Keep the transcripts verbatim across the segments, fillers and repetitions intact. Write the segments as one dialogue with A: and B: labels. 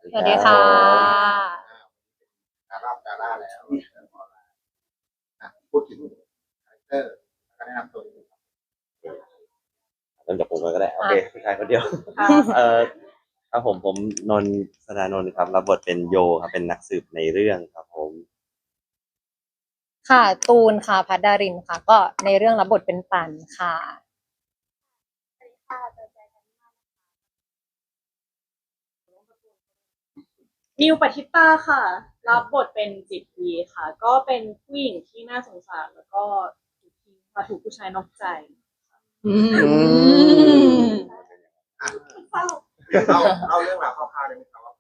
A: สวัสดีค่ะ
B: ดาราดาราแล้วพูดถึงคาแรคเตอร์แล้วก็แนะนำตัวนิดนึงครับ
C: เริ่มจากผมเลยก็ได้โอเคผู้ชายคนเดียว
A: ค่ะ
C: เอ่อครับผมผมนนท์สดานนท์ครับรับบทเป็นโยครับเป็นนักสืบในเรื่องครับผม
A: ค่ะตูนค่ะพัดดารินค่ะ ก็ในเรื่องรับบทเป็นปันค่ะ
D: นิวปฏิตาค่ะรับบทเป็นจิตวีค่ะ ก็เป็นผู้หญิงที่น่าสงสารแล้วก็ถูกทิ้งมาถูกผู้ชายนอกใจ
A: อืม
D: เศร้า
B: เราเราเรื่องราวคร่าวๆได้ไหมครับว่า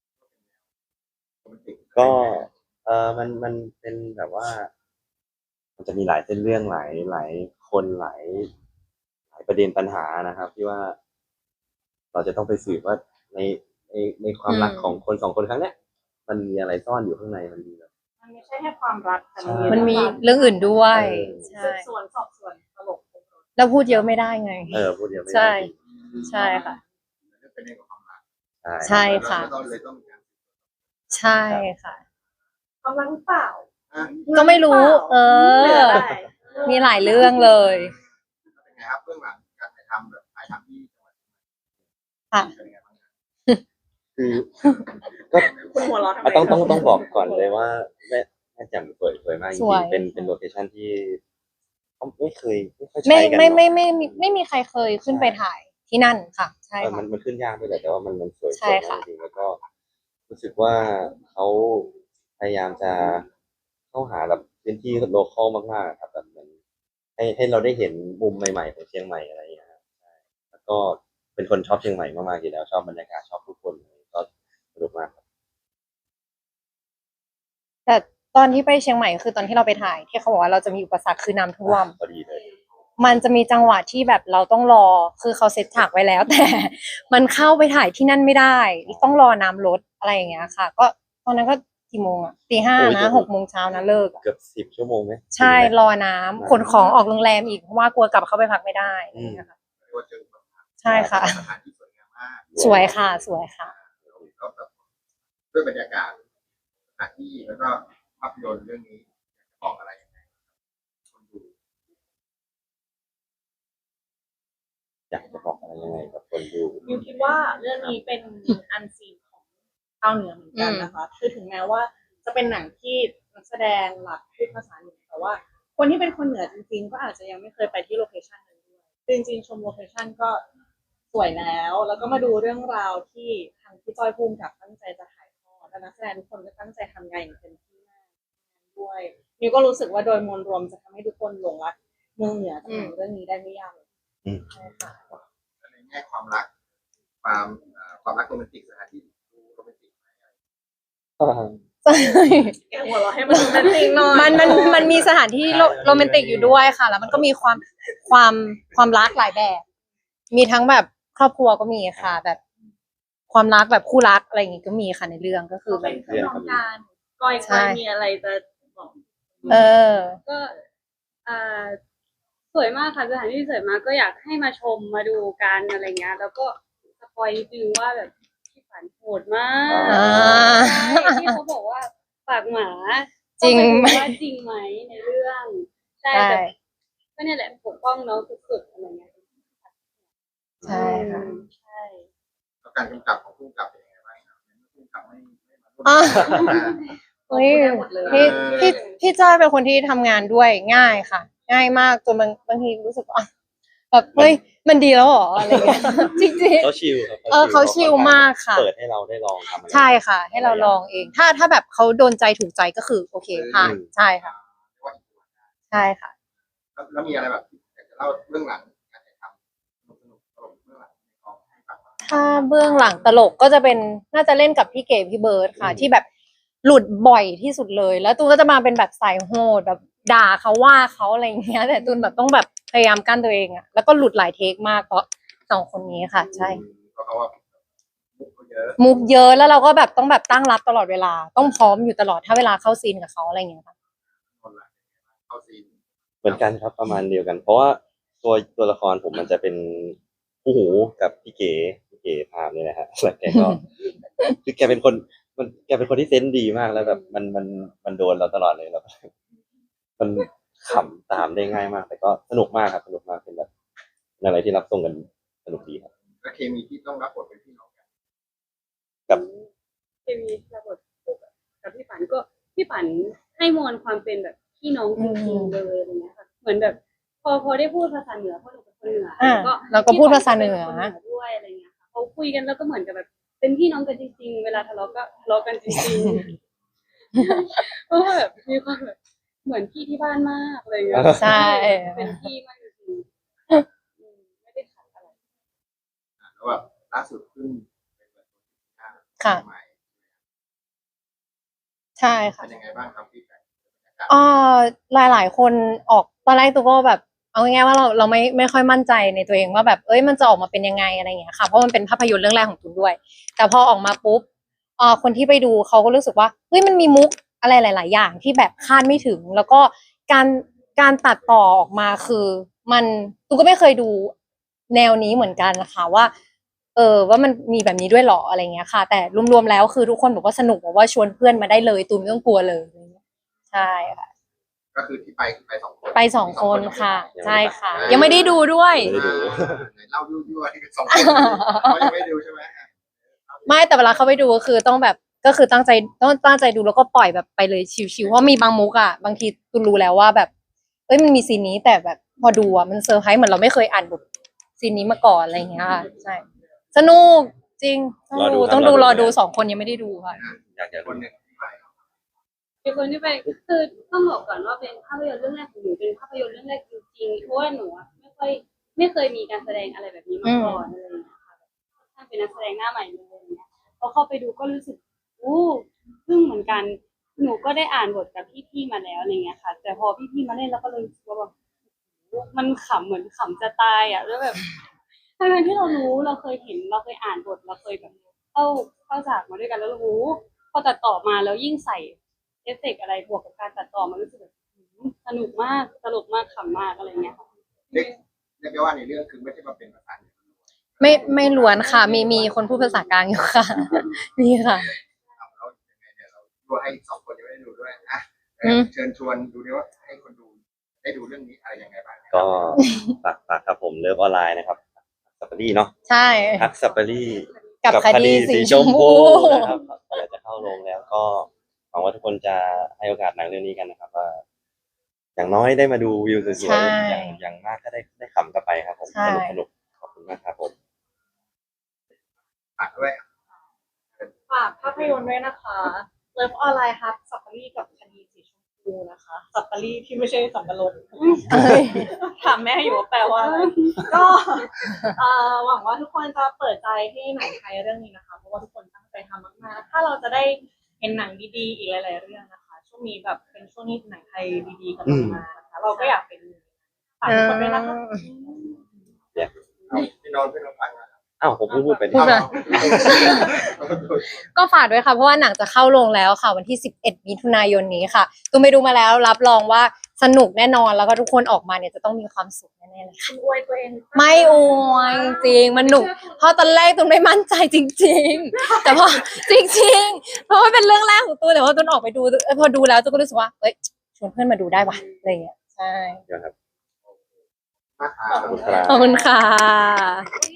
B: มันติด
C: ก็เออมันมันเป็นแบบว่า มันจะมีหลายเส้นเรื่องหลายหลายคนหลายหลายประเด็นปัญหานะครับ ที่ว่า เราจะต้องไปสืบว่าในในในความรัก
A: อืม
C: ของคนสองคนครั้งเนี้ย มันมีอะไรซ่อนอยู่ข้างในมันมีแบบ
D: มันไม่ใช่แค่ความรักแต่
C: ใช่
A: มันมีเรื่องอื่นด้วย
C: เออ
A: ใช่
D: สืบสวนสอบสวนตลก
A: แล้วพูดเยอะไม่ได้ไง
C: เออพูดเดียวไม่
A: ใช่
C: ได้จริง
A: ใช่ค่ะ
B: เป็นเรื่องของความรัก
C: ใช่
A: ใช่ค่ะ
B: แล้วก็เลยต้องมีการ
A: ใช่ค่ะ
D: ความรักหรือเปล่า
B: อ่ะ
A: ก็ไม่รู้ เอ
D: เหลื
A: อ
D: อได้
A: มีหลายเรื่องเลย
B: เป็นไงครับเรื่องหลังการถ่ายทำแบบถ่ายทำที่จังหวัด
A: ค่ะ
B: เป็นไงบ้างครับ
C: คือก็
D: คุณหัวเราะทำไม
C: อ่ะต้องต้องต้องบอกก่อนเลยว่าแม่แม่แจ่มสวยสวยมากจ
A: ส
C: ริ
A: วย
C: งๆเป็นเป็นโลเคชั่นที่เขาไม่เคยไม่ค่อย
A: ไม่
C: ใช้กัน
A: ไม่
C: เนาะ
A: ไม่ไม่ไม่ไม่มีใครเคยขึ้นไปถ่ายที่นั่นค่ะ ใช่
C: เออมั
A: ค่ะ
C: นมันขึ้นยากด้วยแหละแต่ว่ามันมันสวย
A: ใช่
C: สวย
A: ค่ะ
C: มากจริงๆแล้วก็รู้สึกว่าเขาพยายามจะเข้าหาแบบพื้นที่โลคอลมากๆครับแบบเหมือนให้ให้เราได้เห็นมุมใหม่ๆของเชียงใหม่อะไรอย่างเงี้ยครับใช่แล้วก็เป็นคนชอบเชียงใหม่มากๆอยู่แล้วชอบบรรยากาศชอบผู้คนก็สนุกมากครับ
A: แต่ตอนที่ไปเชียงใหม่คือตอนที่เราไปถ่ายที่เขาบอกว่าเราจะมีอุปสรรคคือน้ำท่วม
C: พอดีเลย
A: มันจะมีจังหวะที่แบบเราต้องรอ คือเขาเซตฉากไว้แล้ว แต่มันเข้าไปถ่ายที่นั่นไม่ได้ ต้องรอน้ำลดอะไรอย่างเงี้ยค่ะ ก็ตอนนั้นก็กี่โมงอะตีห้า
C: โอ้ย
A: นะ
C: เดี๋ยว
A: หกโมงเช้านะเลิกอะ
C: เกือบสิบชั่วโมงไหม
A: ใช่
C: ถึงไหม
A: รอน้ำขนของออกโรงแรมอีกเพราะว่ากลัวกลับเข้าไปพักไม่ได้อะไรอย่างเงี้ยค่ะ
B: เรียกว่าเจอแบบ
A: ใช่ค่ะ
B: สถานที่สวยงามมาก
A: สวยค่ะสวยค่ะ
B: แล้วแบบด้วยบรรยากาศสถานที่แล้วก็ภาพยนตร์เรื่องนี้บอกอะไรยังไงคนดู
C: อยากจะบอกอะไรยังไงกับคนดู
D: นิวคิดว่าเรื่องนี้เป็นอันซีนของชาวเหนือเหมือนกันนะคะ คือถึงแม้ว่าจะเป็นหนังที่นักแสดงหลักพูดภาษาเหนือแต่ว่า คนที่เป็นคนเหนือจริงๆ ก็อาจจะยังไม่เคยไปที่โลเคชันนั้นด้วยคือจริงๆชมโลเคชันก็สวยแล้ว แล้วก็มาดูเรื่องราวที่ทางพี่จ้อยภูมิกับตั้งใจจะถ่ายทอดและนักแสดงทุกคนก็ตั้งใจทำงานอย่างเต็มที่มากด้วยนิวก็รู้สึกว่าโดยมวลรวมจะทำให้ทุกคนหลงรักเมืองเหนือจากหนังเรื่องนี้ได้ไม่ยากเลย
C: อืม
D: ใช่ค่ะ
B: ในแง่ความรักความเอ่อความรักโรแมนติกสถานที่ดูโรแมนติกไหม
A: ใช่
D: แกหัวเราะให้มันโรแมนติกหน่อย
A: มันมันมันมีสถานที่โรโรแมนติกอยู่ด้วยค่ะ แล้วมันก็มีความความความรักหลายแบบ มีทั้งแบบครอบครัวก็มีค่ะ แบบความรักแบบคู่รักอะไรอย่างงี้ก็มีค่ะในเรื่องก็คือ
D: ก็
A: แบ
D: เป็
A: บ
D: นเพื่อนน้องกันก้อย
A: ใช่
D: ก้อยมีอะไรจะบอก
A: เออ
E: ก็อ่าสวยมากค่ะสถานที่สวยมากก็อยากให้มาชมมาดูกันอะไรเงี้ยแล้วก็สปอยนิดนึงว่าแบบพี่ฝันโหดมาก
A: อ่า
E: ใช่ที่เขาบอกว่าปากหมา
A: จริงไหม
E: ต้องไปดูว่าจริงไหมในเรื่องใช่
A: ใช่
E: แต่ก็เนี่ยแหละปกป้องน้องสุดๆอะไรเงี้ย
A: ใช่ค่ะ
E: อืมใช่
B: แล้วการกำกับของผู้กำกับเป็นยังไงบ้างครับผู้กำกับไม่ไม่มาร่วม
A: อ่า
B: งาน
A: เฮ้ย
D: ได้หมดเลย
A: พี่พี่พี่จ้อยเป็นคนที่ทำงานด้วยง่ายค่ะ ง่ายมากจนบางบางทีรู้สึกว่าแบบเฮ้ยมันดีแล้วเหรออะไรเงี้ย จริง
C: เขาชิลครับ
A: เออเขาชิลมากค่ะ
C: เปิดให้เราได้ลองทำอะไร
A: ๆ ใช่ค่ะ ให้เราลองเอง ถ้าถ้าแบบเขาโดนใจถูกใจก็คือโอเคผ่านใช่ค่ะ ใช่ค่ะ
B: แล้วแล้วมีอะไรแบบอยากจะเล่าเรื่องหลังการถ่ายทำสนุกสนุกตลกเรื่องหลังในกองให้ฟังบ้าง
A: ถ้าเบื้องหลังตลกก็จะเป็นน่าจะเล่นกับพี่เก๋พี่เบิร์ดค่ะ ที่แบบหลุดบ่อยที่สุดเลย แล้วตูนก็จะมาเป็นแบบสายโหดแบบด่าเขาว่าเขาอะไรอย่างเงี้ยแต่ตูนแบบต้องแบบพยายามกั้นตัวเองอะแล้วก็หลุดหลายเทคมากเพราะสองคนนี้ค่ะ ใช่
B: เพราะเขาว่ามุกเขาเยอะ
A: มุกเยอะแล้วเราก็แบบต้องแบบตั้งรับตลอดเวลา ต้องพร้อมอยู่ตลอดถ้าเวลาเข้าซีนกับเขาอะไรอย่างเงี้ยค่ะ
B: คนละเข้าซีน
C: เหมือนกันครับประมาณเดียวกัน เพราะว่าตัวตัวละครผมมันจะเป็นคู่หูกับพี่เก๋พี่เก๋ก๋ภาพนี่แหละฮะแล้วแกก็ คือแกเป็นคนมันแกเป็นคนที่เซนส์ดีมากแล้วแบบมันมันมันโดนเราตลอดเลยแล้ว มันขำตามได้ง่ายมาก แต่ก็สนุกมากครับสนุกมากเป็นแบบเป็นอะไรที่รับส่งกันสนุกดีครับ
B: และเคมีที่ต้องรับบทเป็นพี่น้องกัน
C: กับ
E: เคมีระบบกับพี่ฝันก็พี่ฝันให้มวลความเป็นแบบพี่น้องจริงๆเลยอะไรเงี้ยค่ะเหมือนแบบ พอพอได้พูดภาษาเหนือเพราะหนูเป็นคนเหนือ
A: อ่า
E: ก็
A: เราก็พูดภาษาเหนือ
E: พี่ฝัก็ป็คด้วยอะไรเงี้ยค่ะเขาคุยกันแล้วก็เหมือนกับแบบ เป็นพี่น้องกันจริงๆเวลาทะเลาะก็ทะเลาะกันจริงๆเพราะว่าแบบมีความแบบเหมือนพี่ที่บ้านมากอะไรเงี้ย
A: ใช่
E: เป็นพี่มากจริงๆอืมไม่ได้ขัดอะไร
B: อ่ะแล้วแบบล่าสุดขึ้นเป็นแบบ
A: ค่ะ
B: ใหม่
A: ใช่ค่ะ
B: เป็นยังไงบ้างครับพี่แบงค์
A: เอ่อหลายหลายๆคนออกตอนแรกตัวก็แบบเอาง่ายๆว่าเราเราไม่ไม่ค่อยมั่นใจในตัวเองว่าแบบเอ้ยมันจะออกมาเป็นยังไงอะไรอย่างเงี้ยค่ะเพราะมันเป็นภาพยนตร์เรื่องแรกของตุนด้วย แต่พอออกมาปุ๊บเอ่อคนที่ไปดูเขาก็รู้สึกว่าเฮ้ยมันมีมุกอะไรหลาย ๆ อย่างที่แบบคาดไม่ถึง แล้วก็การการตัดต่อออกมาคือมันตุนก็ไม่เคยดูแนวนี้เหมือนกันนะคะว่า เออว่ามันมีแบบนี้ด้วยเหรออะไรเงี้ยค่ะ แต่รวมๆแล้วคือทุกคนบอกว่าสนุกบอกว่าชวนเพื่อนมาได้เลยตูนไม่ต้องกลัวเลยอะไรเงี้ยใช่ค่ะ
B: ก็คือที่ไปคือไปสองคน
A: ไปสองคนค่ะ
C: ยังไม่
A: ใช่ค่ะ
C: ได้
A: ยังไม่ได้ดูด้วย
C: ไม่ได้ดู
B: อ่าไหนเล่ายั่วๆที่สองคนเขายังไม่ดูใช่ไหม
A: ไม่แต่เวลาเขาไปดูก็คือต้องแบบก็คือตั้งใจต้องตั้งใจดูแล้วก็ปล่อยแบบไปเลยชิวๆเพราะมีบางมุกอ่ะบางทีตูนรู้แล้วว่าแบบเอ้ยมันมีซีนนี้แต่แบบพอดูอ่ะมันเซอร์ไพรส์เหมือนเราไม่เคยอ่านบทซีนนี้มาก่อนอะไรอย่างเงี้ยค่ะใช่สนุกจริงต้อง
C: รอดู
A: ดู
C: ครับ
A: ต้องดู
C: ร
A: ร
C: อ
A: อ
C: ดู
A: ดูสองคนยังไม่ได้ดูค่ะ
C: อยากจะ
B: ค
C: รู้
B: นหนึ่งที่ไป
E: เป็นคนที่ไปคือต้องบอกก่อนว่าเป็นภาพยนตร์เรื่องแรกของหนูเป็นภาพยนตร์เรื่องแรกจริงๆเพราะว่าหนูอะไม่ค่อยไม่เคยมีการแสดงอะไรแบบนี้มาก่อนอะไรอย่างเงี้ยค่ะแบบถ้าเป็นนักแสดงหน้าใหม่เลยอะไรเงี้ยพอเข้าไปดูก็รู้สึกอู้ซึ่งเหมือนกันหนูก็ได้อ่านบทกับพี่ๆมาแล้วอะไรเงี้ยค่ะ แต่พอพี่ๆมาเล่นแล้วก็เลยรู้สึกว่าแบบมันขำเหมือนขำจะตายอ่ะแล้วแบบทั้งๆที่เรารู้เราเคยเห็นเราเคยอ่านบทเราเคยแบบเข้าเข้าฉากมาด้วยกันแล้วเรารู้พอตัดต่อมาแล้วยิ่งใส่ เอฟเฟกต์อะไรบวกกับการตัดต่อมันรู้สึกแบบหืมสนุกมากตลกมากขำมากอะไรเงี้ยค่ะ
B: เรียกเรียกได้ว่าในเรื่องคือไม่ใช่มาเป็นภาษาเหนือ
A: ไม่ไม่ล้วนค่ะ มีมีคนพูดภาษากลางอยู่ค่ะ มีค่ะ
B: เอาแล้วยังไงเดี๋ยวเราดูให้สองคนยังไม่ได้ดูด้วยอ่ะ
A: อืม
B: เชิญชวนดูดิว่าให้คนดูได้ดูเรื่องนี้อะไรยังไงบ้าง
C: ก็ฝากฝากครับผมเลิฟออนไลน์นะครับสัปปารีเนาะ
A: ใช่
C: ฮักสัปปารี
A: กับคดีสีชมพู
C: นะครับเดี๋ยวจะเข้าโรงแล้วก็หวังว่าทุกคนจะให้โอกาสหนังเรื่องนี้กันนะครับว่าอย่างน้อยได้มาดูวิวสวย
A: ใช่
C: ๆอย่างอย่างมากก็ได้ได้ขำกลับไปครับผม
A: ใช่
C: สนุกสนุกขอบคุณมากครับผม
B: ฝากด้วย
D: ฝากภาพยนตร์ด้วยนะคะเลิฟออนไลน์ฮับสัปปารีกับคดีสีชมพูนะคะสัปปารีที่ไม่ใช่สับปะรด
A: เอ้ย
D: ถามแม่อยู่ว่าแปลว่าอะไรก็เอ่อหวังว่าทุกคนจะเปิดใจให้หนังไทยเรื่องนี้นะคะ เพราะว่าทุกคนตั้งใจทำมากๆถ้าเราจะได้เห็นหนังดีๆอีกหลาย ๆ เรื่องนะคะ ช่วงนี้แบบเป็นช่วงนี้หนังไทยดีๆกำลังมานะคะเราก็อยากเป็นฝากทุกคนด้วยนะคะ
B: เอาพี่นนท์พี่นนท์ฟังนะ
C: อ้าวผมเพิ่งพูดไป
A: พูดไป
B: เอา
A: ก็ฝากด้วยค่ะเพราะว่าหนังจะเข้าโรงแล้วค่ะวันที่สิบเอ็ดมิถุนายนนี้ค่ะตูนไปดูมาแล้วรับรองว่าสนุกแน่นอนแล้วก็ทุกคนออกมาเนี่ยจะต้องมีความสุขแน่ๆเลยค่ะ
D: คุณอวยตัวเอง
A: ไม่อวยจริงมันหนุกเพราะตอนแรกตูนไม่มั่นใจจริง ๆ แต่พอจริง ๆ เพราะว่าเป็นเรื่องแรกของตูนแต่ว่าตูนออกไปดูเออพอดูแล้วตูนก็รู้สึกว่าเอ้ยชวนเพื่อนมาดูได้ว่ะอะไรอย่างเงี้ยใช่
C: เดี๋ยวครับ
B: มาหา
C: ขอบคุณครับ
A: ขอบคุณค่ะ